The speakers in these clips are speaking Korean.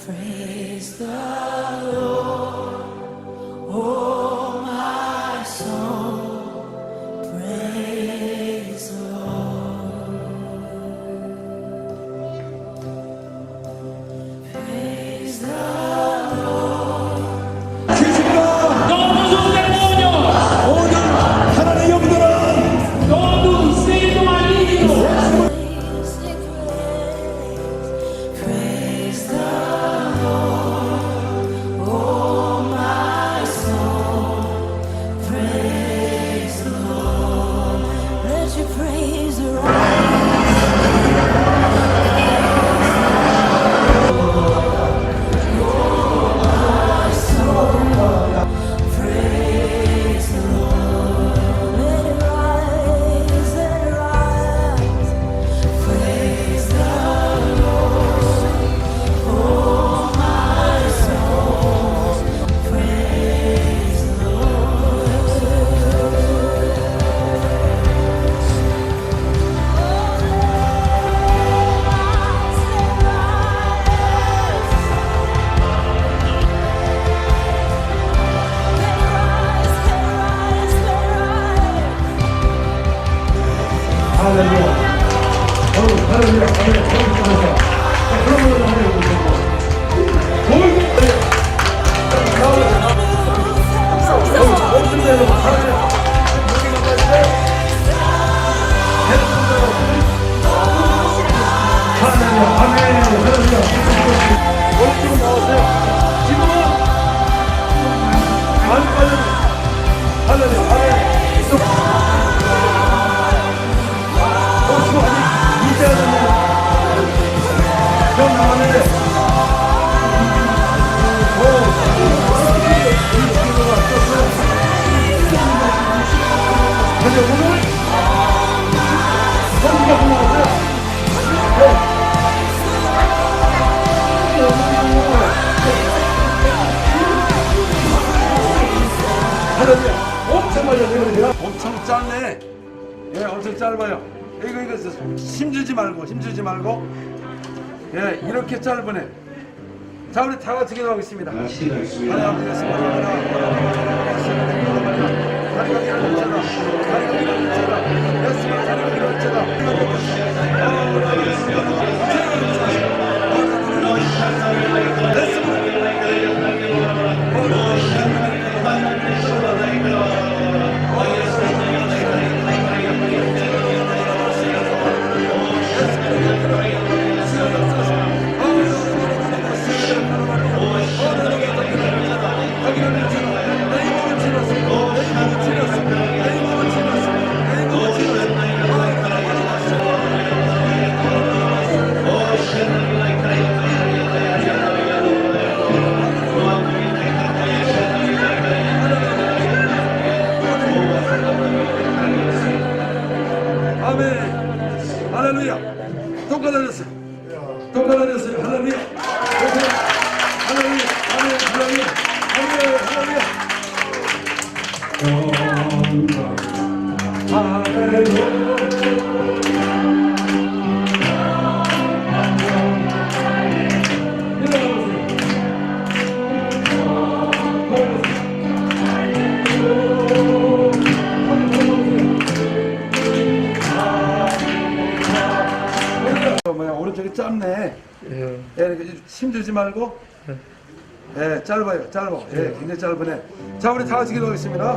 Praise the Lord, oh my soul, praise the Lord. Praise the Lord. Todo o demônio, 모든 하나님의 영들은 todo espírito maligno, Praise the Lord, oh my soul, praise the Lord. Let your praise arise. Praise the Lord. Let it rise, let it rise. Praise the Lord, oh my soul. Praise the 할렐루야. 할렐루야. 할렐루야. 그런 걸로 엄청 짧네. 예, 엄청 짧아요. 이거 힘주지 말고. 예, 이렇게 짧으네. 자, 우리 다 같이 기도하겠습니다. 아멘. 할렐루야. 똑같아졌어요. 할렐루야. 할렐루야. 오른쪽이 짧네. 예, 힘들지 말고. 예, 짧아요. 예, 굉장히 짧으네. 자, 우리 다 같이 기도하겠습니다.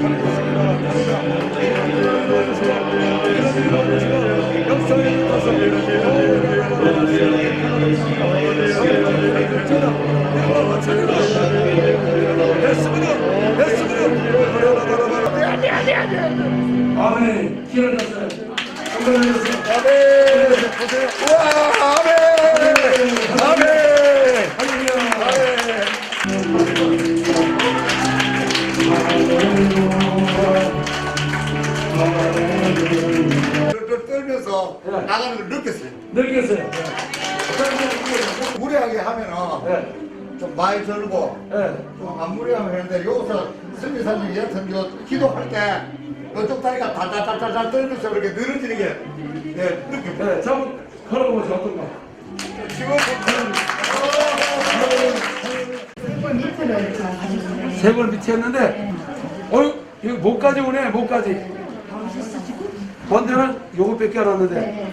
아멘. 기도하셨어요. 아멘. 보세요. 우와, 아멘. 떨면서 나가는 걸 느꼈어요. 무리하게 하면은 좀 많이 들고 좀 안 무리하면 되는데 여기서 승리사님 같은 기도할 때 이쪽 다리가 달달달달 떨면서 이렇게 늘어지는 게 느껴요. 자, 한번 걸어보세요. 어떤가? 지금 세 번 밑에 했는데, 이거 목까지 오네, 목까지. 먼저는 요것밖에 안 왔는데,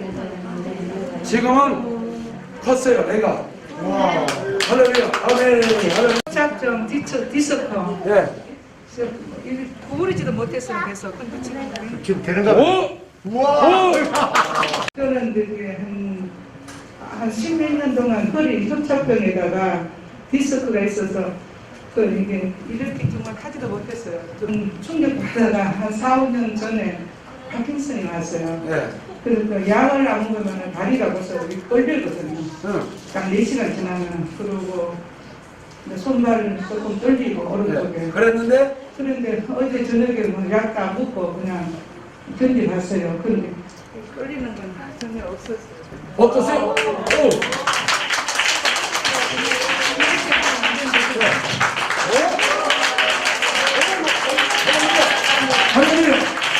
지금은 컸어요, 애가. 할렐루야, 아멘, 할렐루야. 작정 디스커 예. 구부리지도 못했어요. 그래서 근데 지금 되는가? 오! 우와! 저는 되게 한 십몇 년 동안 허리 협착병에다가 디스크가 있어서 그 이게 이렇게 정말 하지도 못했어요. 좀 충격받다가 한 4, 5년 전에 파킨슨이 왔어요. 예. 그래서 그 약을 안 먹으면 다리가 벌써 이렇게 떨리거든요. 응. 딱 4시간 지나면. 그리고 손발 조금 떨리고 오른쪽에. 예. 그랬는데, 그런데 어제 저녁에 뭐 약도 안 먹고 그냥 견뎌봤어요. 그런데 끌리는 건 전혀 없었어요. 어떠세요? 오! 할렐루야!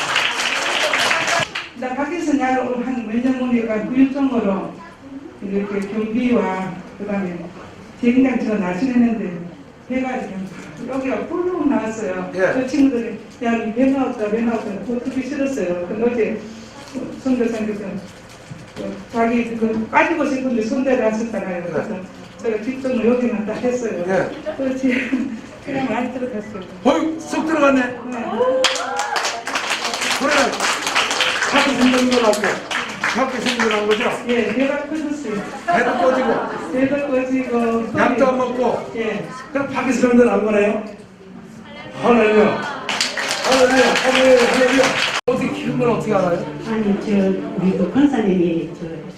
나 밖에서 약을 한 몇 년 보니까 구일종으로 이렇게 경비와 그다음에 비행장 제가 날씬했는데 배가 그냥 여기가 뿔룩 나왔어요. 예. 그 친구들이 야, 배 나왔다, 배 나왔다. 그거 듣기 싫었어요. 근데 어제 선교사님께서 자기 그 빠지고 싶은데 손대를 하셨잖아요. 그래서 제가 뒷정을 여기만 딱 했어요. 예. 그렇지. 그냥 많이 들어갔어요. 어이, 쑥 들어갔네. 네. 그래. 자꾸 생각이 나고, 자꾸 생각이 난 거죠? 예, 배가 커졌어요. 배도 꺼지고, 배가 꺼지고. 약도 안 먹고, 예. 그럼 파키스탄도 안 거네요? 할렐루야. 할렐루야. 할렐루야. 할렐루야. 어떻게 키운 건 어떻게 알아요? 아니 우리 그 권사님이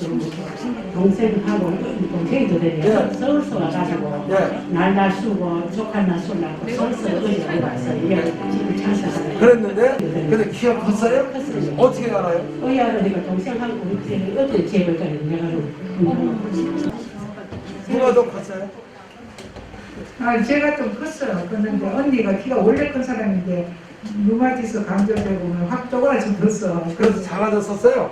동생하고 동생도 되네요. 예. 서울서 와가지고 예. 날날 쓰고 조카 날 쏘려고 서울서 어디 와서 이래 지금 장사하고 그랬는데, 근데 키가 컸어요? 컸어요. 어떻게 알아요? 어야 내가 동생하고 이제 어떤 집을 가야 내가 누가 더 컸어요? 아, 제가 좀 컸어요. 그런데 언니가 키가 원래 큰 사람인데 루마티스 감전되고 확 쪼그라져들었어. 그래서 작아졌었어요?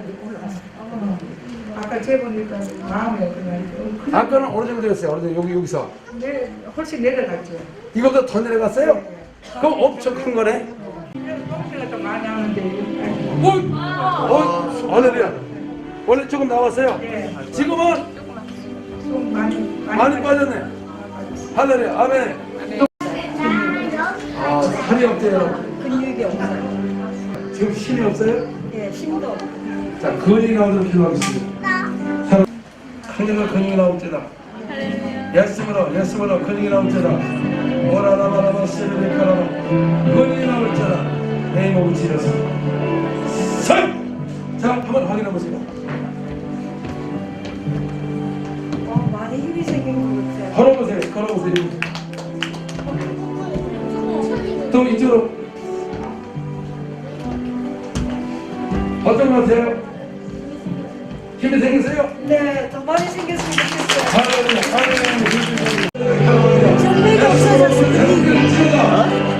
아까 재보니까 마음에 그냥 아까는 어느 정도 였어요? 어느 정도 여기서. 훨씬 내려갔죠. 이거보다 더 내려갔어요? 그럼 엄청 큰 거네? 똥치가 좀 많이 하는데 할렐루야. 원래 조금 나왔어요? 네. 지금은 좀 많이 빠졌네. 할렐루야. 아멘. 아, 살이 없대요. 근육이 없어요. 지금 힘이 없어요? 예, 힘도 없고. 자, 근육이 나오도록 기도하겠습니다. 근육이 나올지다. 예수으로 근육이 나올지다. 오라라바라바 세르베카라바 근육이 나올지다. 내 몸을 치료서. 자, 한번 확인해 보세요. 많이 힘이 생긴 것 같아요. 걸어보세요. 걸어보세요. 또 이쪽으로. 어떤 것 같아요? 힘이 생겼어요? 네, 더 많이 생겼으면 좋겠어요. 할렐루야. 정맥이 없어졌어요.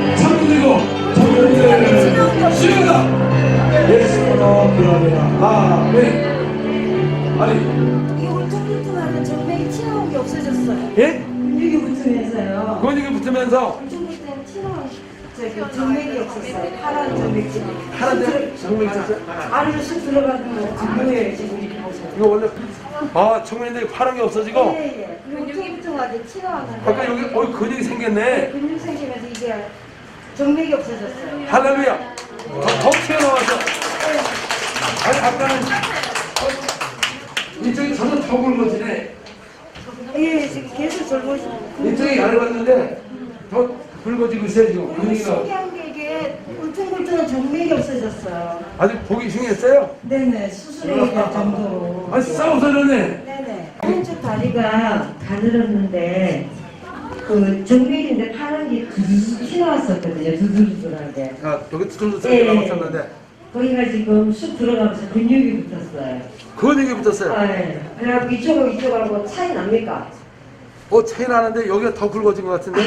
아니, 이 울퉁불퉁하는 정맥이 튀어나온 게 없어졌어요. 예? 근육이 붙으면서요. 근육이 붙으면서 울퉁불퉁 튀어나온 정맥이 없었어요. 파란 정맥이. 하나인데 정맥 있었어요? 안으로 쑥 들어가는 거 안 보여요, 지금 이렇게 보세요. 이거 원래 청면인데 파란 게 없어지고 예, 예. 울퉁불퉁하게 튀어나왔는데. 아까 여기 근육이 생겼네. 근육 생기면서 이게 정맥이 없어졌어요. 할렐루야. 더 튀어나와서. 아니 아까는 이쪽이 전혀 더 굵어지네. 예, 지금 계속 젊어지고. 이쪽이 얇았는데 더 굵어지고 있어요 지금. 근육이 나와. 신기한 게 이게 울퉁불퉁한 정맥이 없어졌어요. 아주 보기 흉했어요? 네네, 수술해야 될 정도로. 아니 싸워서 그러네. 네네. 오른쪽 다리가 가늘었는데 그 정맥인데 파란 게 두두두 튀어나왔었거든요. 두두두하게. 아, 여기 두들도 예. 살짝 남았었는데 거기가 지금 쑥 들어가면서 근육이 붙었어요. 근육이 붙었어요. 아, 예. 그래갖고 이쪽하고 차이 납니까? 차이 나는데 여기가 더 굵어진 것 같은데?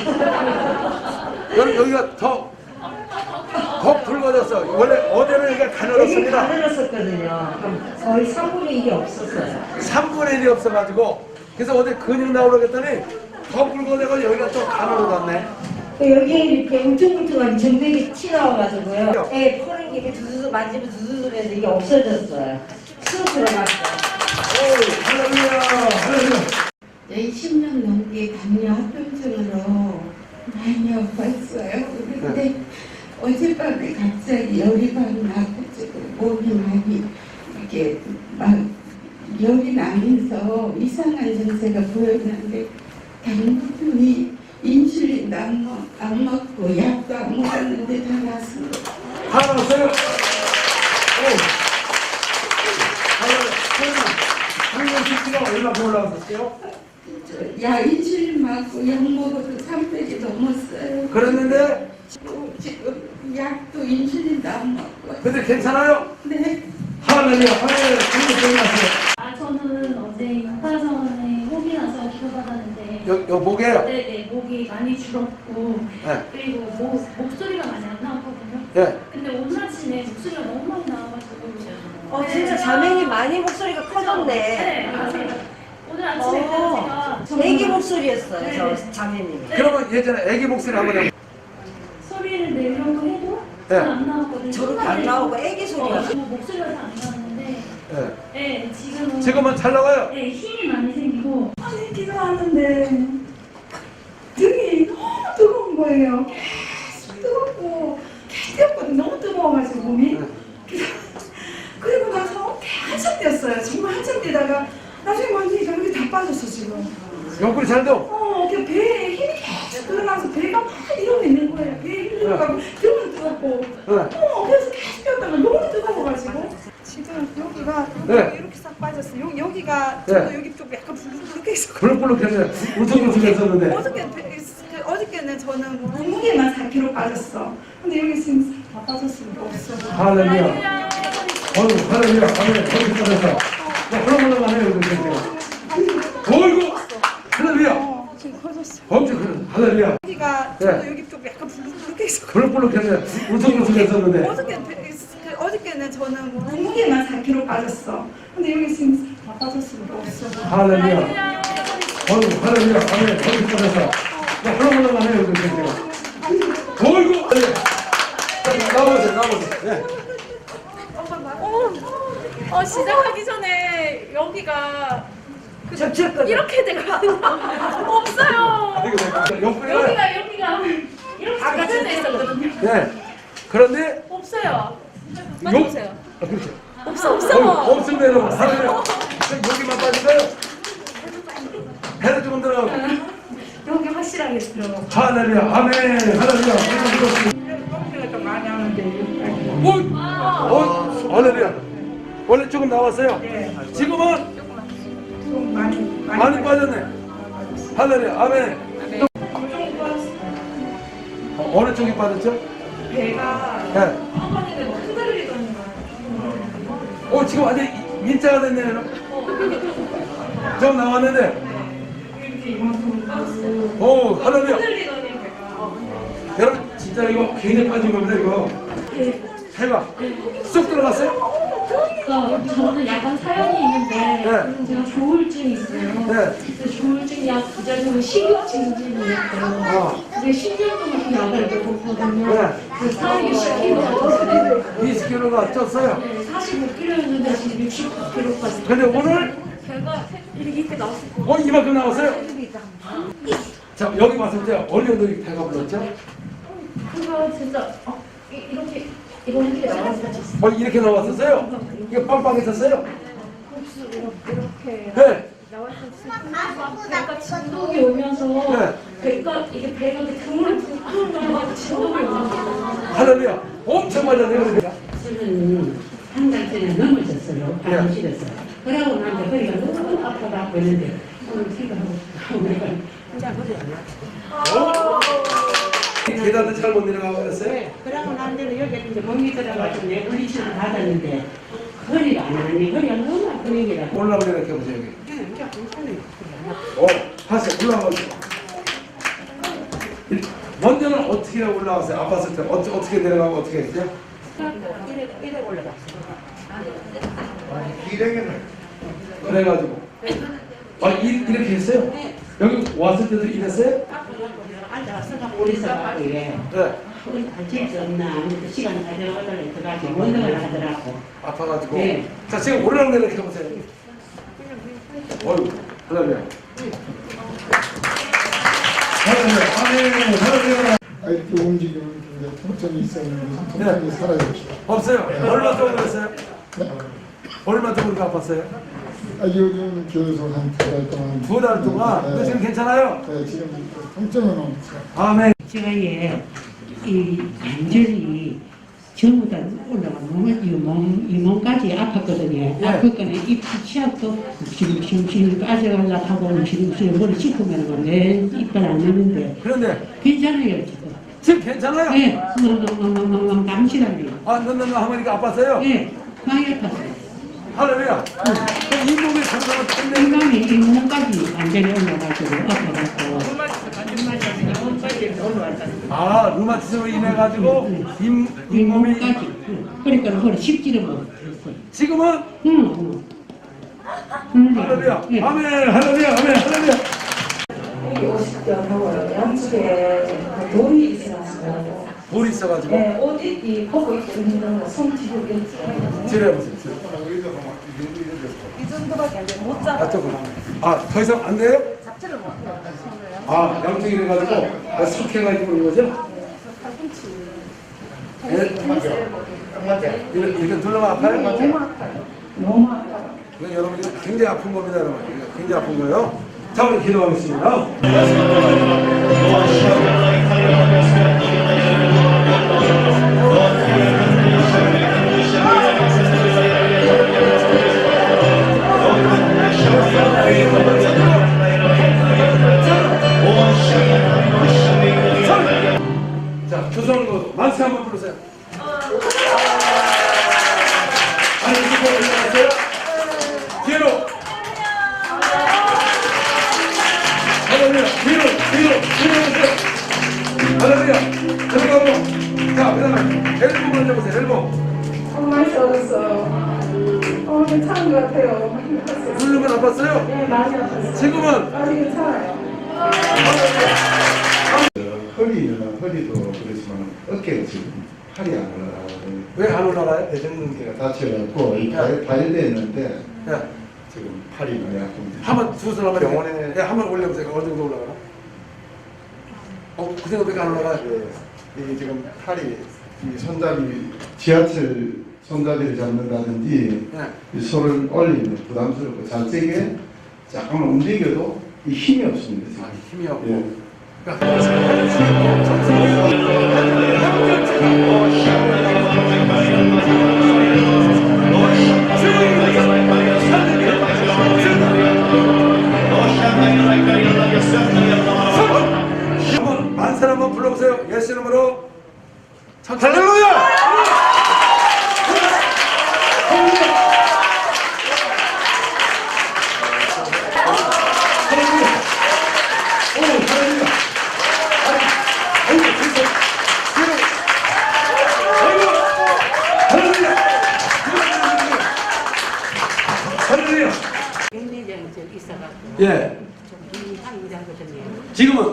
여기가 더 굵어졌어. 원래 어제는 여기가 여기 가늘었습니다. 가늘었었거든요. 거의 3분의 1이 없었어요. 3분의 1이 없어가지고 그래서 어제 근육 나오려고 했더니 더 굵어져서 여기가 또 가늘어졌네. 여기에 이렇게 울퉁불퉁한 정맥이 튀어나와가지고요. 예, 푸는 게 이렇게 두두두 만지면 두두두면서 이게 없어졌어요. 쑥 들어갔어요. 네, 10년 넘게 당뇨 합병증으로 많이 아팠어요. 그런데 어젯밤에 갑자기 열이 막 나고 지금 몸이 많이 이렇게 막 열이 나면서 이상한 증세가 보였는데 당분이 인슐린도 안 먹고 약도 안 먹었는데 다 났습니다. 다 나왔어요? 당뇨 수치가 얼마큼 올라왔었어요? 야 인슐린 맞고 약 먹어도 300이 넘었어요. 그랬는데 지금 약도 인슐린도 안 먹고. 근데 괜찮아요? 네. 할렐루야. 할렐루야. 당뇨 끝났어요. 저는 어제 육파선에 혹이 나서 기도받았는데 요 목에요? 네네 목이 많이 줄었고 네. 그리고 목소리가 많이 안 나왔거든요. 예. 근데 오늘 아침에 목소리가 너무 많이 나와가지고 진짜 자매님 많이 목소리가 네 커졌네. 맞아요. 오늘 아침에 제가 애기 목소리였어요, 네. 저 자매님이. 그러면 예전에 애기 목소리 한번 해. 소리를 내려고 해도 네. 잘 안 나왔거든요. 저렇게 안 나오고 애기 소리가. 목소리가 잘 안 나왔는데 예. 네 지금은 잘 나와요? 네 힘이 많이 생기고 아니 기도하는데 등이 너무 뜨거운 거예요. 계속 뜨겁고 계속 너무 뜨거워가지고 몸이. 그리고 나서 한참 뛰었어요. 정말 한참 뛰다가 나중에 완전히 여기 다 빠졌어 지금. 옆구리 잘 돼? 그냥 배에 힘이 계속 들어가서 배가 막 이러고 있는 거예요. 배에 힘이 들어가고 등은 뜨겁고. 그래서 계속 뛰었다가 너무 뜨거워가지고. 지금 여기가 네. 이렇게 싹 빠졌어요. 여기가 네. 저도 여기 쪽 약간 불룩불룩해서. 불룩불룩해서 울퉁불퉁했었는데. 어저께는 저는 몸무게만 4kg 빠졌어. 근데 여기 지금 다 빠졌으니까 없어. 할렐루야. 할렐루야. 아멘. 거기 떨어서. 그런 해요. 어이구. 할렐루야. 지금 커졌어. 엄청 큰 할렐루야. 여기가 네. 저도 여기 쪽 약간 불룩불룩해서. 불룩불룩해서 울퉁불퉁했었는데. 어저께는 저는 몸무게만 4kg 빠졌어. 근데 여기 지금 다 빠졌으니까 없어. 할렐루야. 할렐루야. 아멘. 거기 떨어서. 그런 해요. 어이구. 나오세요. 네. 시작하기 전에 여기가 접촉거든. 이렇게 되거든요. 없어요. 옆구리가. 여기가 이렇게 접촉돼 있었거든요. 네. 그런데 없어요. 만져보세요. 그렇죠. 없어. 없습니다, 여러분. 할렐루야. 여기만 빠질까요? 배를 조금 들어가고. 여기 확실하게 들어가고. 할렐루야. 아멘. 할렐루야. 뻥튀가 좀 많이 하는데. 할렐루야. 원래 조금 나왔어요? 네. 지금은 좀 많이 빠졌네. 할렐루야. 아멘. 어느 쪽이 빠졌죠? 배가 네. 한 번에 막 흔들리더니 막. 지금 완전 민자가 됐네요. 좀 나왔는데. 이렇게 이만큼 할렐루야. 흔들리더니 배가. 여러분, 진짜 이거 굉장히 빠진 겁니다, 이거. 해봐. 쏙 들어갔어요? 그러니까 저는 약간 사연이 있는데 네. 제가 조울증이 있어요. 네. 근데 조울증 약 부작용은 식욕증진이었어요. 근데 10년 동안 그 약을 먹었거든요. 네. 그 살이 10kg가 쪘어요. 20kg가 쪘어요. 네, 45kg였는데 지금 69kg까지. 근데 오늘 배가 이렇게 나왔어요. 이만큼 나왔어요? 자, 여기 왔을 때 어느 정도 배가 불렀죠? 그거 진짜 이렇게 나왔어요. 이렇게 나왔었어요? 이거 빵빵했었어요? 이렇게 네. 배가 진동이 오면서 네. 배가 그물을 붕붕 들어가고 진동이 오면서 할렐루야. 엄청 맞았네요. 그러니까. 저는 한 달 전에 넘어졌어요. 암실에서. 그러고 나서 허리가 너무 아파갖고 있는데 오늘 생각하고 계단도 잘못 내려가고 그랬어요? 그러고 난 데는 여기 이제 몸이 들어가지고 내 물리치료 받았는데 허리가 안 하니 허리가 너무 아픈 얘기라. 올라오게 이렇게 해보세요, 여기. 하세요. 올라가세요. 먼저는 어떻게 올라왔어요? 아팠을 때 어떻게 내려가고 어떻게 했죠? 이래 올라갔어. 기랭이는 그래가지고 이렇게 했어요? 여기 왔을 때도 이랬어요? 앉아 서가 오래 서가고 예. 할수 없나 아무튼 시간 가져가달라 해가지고 원동을 하더라고. 아파가지고. 네. 자, 지금 오르락내리락 해보세요. 어휴, 할렐루야. 할렐루야. 이렇게 움직이면 통증이 있었는데 통증이 사라졌죠. 없어요. 얼마 정도 그랬어요? 네. 얼마 정도 아팠어요? 요즘 계속 한 2달 동안. 2달 동안? 근데 지금 괜찮아요? 네, 지금 통증은 없죠. 아멘. 제가 이 관절이 전부 다 올라가 이 몸까지 아팠거든요. 아팠거든요. 이 치약도 지금 빠져가려고 하고 지금 머리 씻으면 내 이빨 안 나는데. 그런데 괜찮아요 지금. 지금 괜찮아요? 네, 감시라니. 하모니까 아팠어요? 네, 많이 아팠어요. 할렐루야. 이 몸의 건강은 끝내. 건강이 이 몸까지 완전히 올라가지고 아파갖고. 아, 루마티즘으로 인해가지고 이 몸이. 그러니까 그걸 쉽지를 못했어요. 지금은? 할렐루야. 네. 아멘. 할렐루야. 아멘. 할렐루야. 여기 50견하고요. 양쪽에 돌이 있어가지고. 돌이 있어가지고. 네, 옷 입기 벗고 입기 힘든 거손 뒤로 이렇게. 지뢰보세요. 이 정도밖에 안 돼. 못 잡아. 더 이상 안 돼요? 잡지를 못해요. 아, 양쪽이 이래가지고 석해가지고 그런 거죠? 이렇게 눌러면 아파요? 너무 아파요. 너무 아파요. 이건 여러분 이거 굉장히 아픈 겁니다, 여러분. 이거 굉장히 아픈 거예요. 자, 우리 기도하겠습니다. 자, 조성으로 만세 한번 부르세요. 아니, 이거 올라갔어요? 뒤로. 할렐루야. 뒤로 오세요. 할렐루야. 저기 가고. 자, 그 다음에 엘보 먼저 보세요. 엘보. 정말 좋았어요. 괜찮은 것 같아요. 누르면 아팠어요? 네, 많이 아팠어요. 지금은? 아직 괜찮아요. 허리도 그렇지만 어깨가 지금 팔이 안 올라가거든요. 왜 안 올라가요? 대정근개가 다쳐갖고 이 발열돼 있는데 야, 지금 팔이 많이 아픕니다. 한번 두 손 한번 병원에 한번 올려보세요. 어느 정도 올라가나? 그 생각밖에 안 올라가요? 이 지금 팔이 이 손잡이 지하철 손잡이를 잡는다든지 이 손을 올리면 부담스럽고 잘 세게 잠깐만 움직여도 이 힘이 없습니다. 지금. 힘이 없고. 예. 한번 만세를 한번 불러보세요. 예수 이름으로. 할렐루야! 백내장이 좀 있어갖고 예. 좀 이상이거든요. 지금은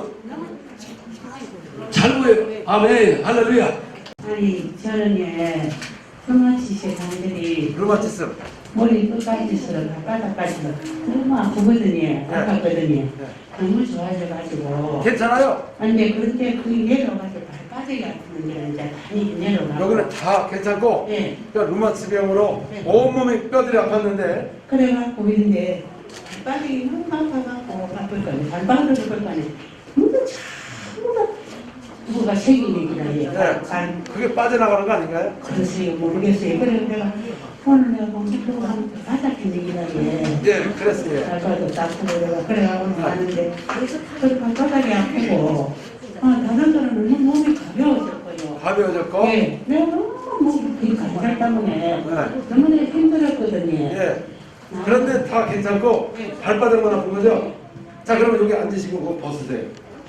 잘 보여요. 아멘. 할렐루야. 아니 저는 루마티스 관절이 루마티스. 머리 끝까지서 바닥까지서 너무 아프거든요. 아팠거든요. 너무 좋아져가지고. 괜찮아요? 아니 그런데 그 내려가서 발바닥이 아프는 게 이제 많이 내려가고. 여기는 다 괜찮고. 네. 그러니까 루마티스 병으로 네. 온몸이 뼈들이 아팠는데. 그래갖고 있는데 발바닥이 너무 아파갖고 아플 거니 발바닥을 볼 거니 뭔가 참 뭐가 생기는 네. 거야. 그게 빠져나가는 거 아닌가요? 글쎄요 모르겠어요. 그래서 내가 오늘 내가 공부도 한 바닥에 내기라 해. 예, 그랬어요. 예. 발바닥도 아프고 내가 그래가지고 가는데 그 발바닥이 아프고 다른 사람은 너무 몸이 가벼워졌고요. 가벼워졌고. 예, 내가 너무 그 관절 때문에 너무나 힘들었거든요. 예. 그런데 다 괜찮고 발바닥만 아픈 거죠? 자, 그러면 여기 앉으시고 그거 벗으세요.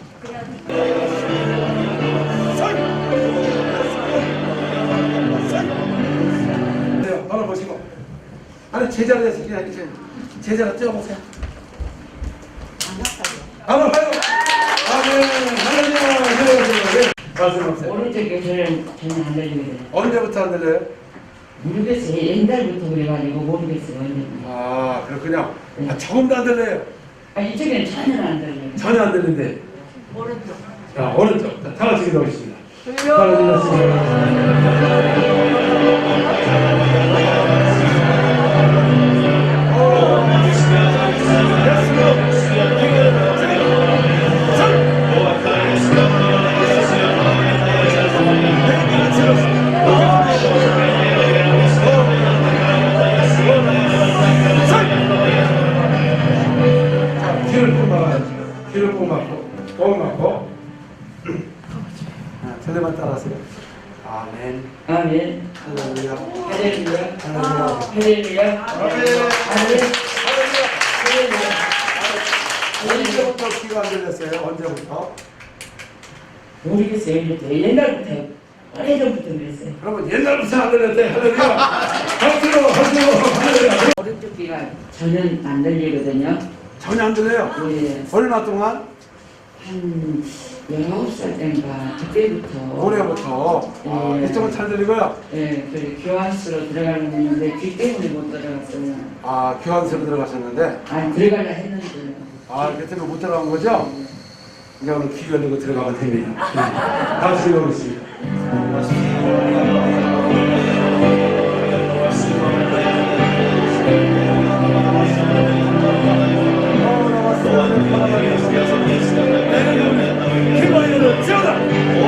네, 바로 보시고. 아니 제자리에서 그냥 이렇게 제자리 뛰어보세요. 안 아파요. 안 아파요. 아멘. 할렐루야. 말씀하세요. 오른쪽에 전혀 안 들리거든요. 언제부터 안 들려요? 모르겠어요. 옛날부터 그래가지고 모르겠어요. 언제부터. 아, 그렇군요. 조금도 안 들려요. 이쪽에는 전혀 안 들려요. 전혀 안 들리는데. 오른쪽. 자, 오른쪽. 자, 다 같이 기도하겠습니다. 하나님 귀를 꼭 막고, 꼭 막고. 틀레만 따라하세요. 아멘. 아멘. 할렐루야. 할렐루야. 할렐루야. 할렐루야. 아멘. 언제부터 귀가 안 들렸어요? 언제부터? 모르겠어요. 옛날부터. 오래전부터 그랬어요. 여러분 옛날부터 안 들렸대. 할렐루야. 박수로 할렐루야. 오른쪽 귀가 전혀 안 들리거든요. 전혀 안 들려요. 예. 얼마 동안? 한 19살 때인가 그때부터 올해부터. 아, 예. 이쪽은 잘 들리고요. 예, 그 교환수로 들어가는데 귀 때문에 못 들어갔어요. 아, 교환소로 들어가셨는데. 아니 들어가려 했는데 아, 그때는 못 들어간 거죠? 이제 오늘 귀 열리고 들어가면 됩니다. 다시 들어오겠습니다. 기도하여는 지어다!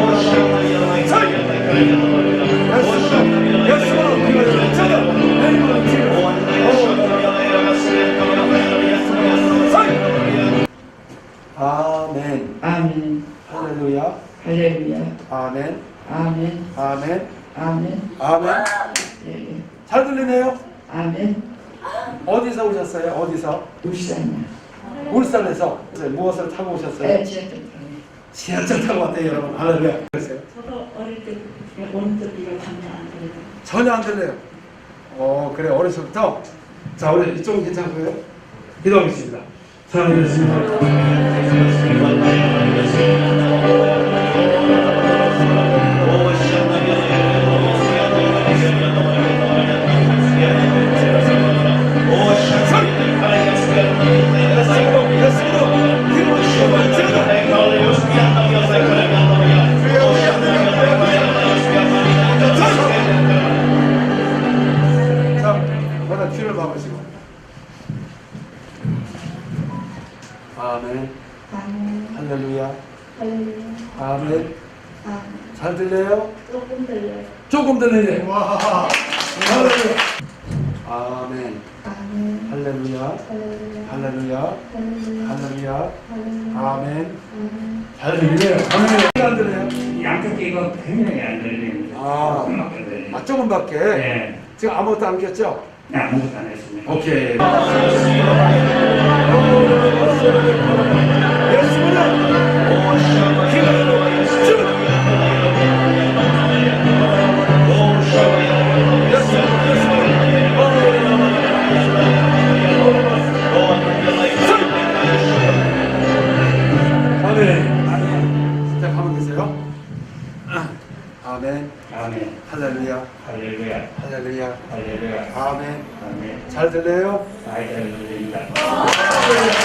아멘. 아멘. 할렐루야. 할렐루야. 아멘. 아멘. 아멘. 아멘. 아멘. 예, 예. 잘 들리네요? 아멘. 어디서 오셨어요? 어디서? 울산이야. 울산에서 무엇을 타고 오셨어요? 예, 지하철 타고. 지하철 타고 왔대요, 여러분. 할렐루야. 그랬어요? 저도 어릴 때부터 오른쪽 귀가 전혀 안 들려요. 전혀 안 들려요. 그래, 어려서부터. 자, 우리 이쪽은 괜찮고요. 기도하겠습니다. 사랑하겠습니다. 귀를 막으시고. 아멘. 할렐루야. 아멘. 잘 들려요? 조금 들려요. 조금 들리네. 와. 할렐루야. 아멘. 아멘. 할렐루야. 할렐루야. 할렐루야. 아멘. 잘 들리네요. 아멘. 안 들려요? 양쪽 귀가 굉장히 안 들리는데 조금밖에 들리네요. 아, 조금밖에? 네. 지금 아무것도 안 꼈죠? 네, 아무것도 안 했습니다. 오케이. 아멘. 자, 가만 계세요. 아멘. 아멘. 할렐루야. 할렐루야. 할렐루야. 할렐루야. 아멘. 아멘. 잘 들려요? 잘 들립니다. 할렐루야.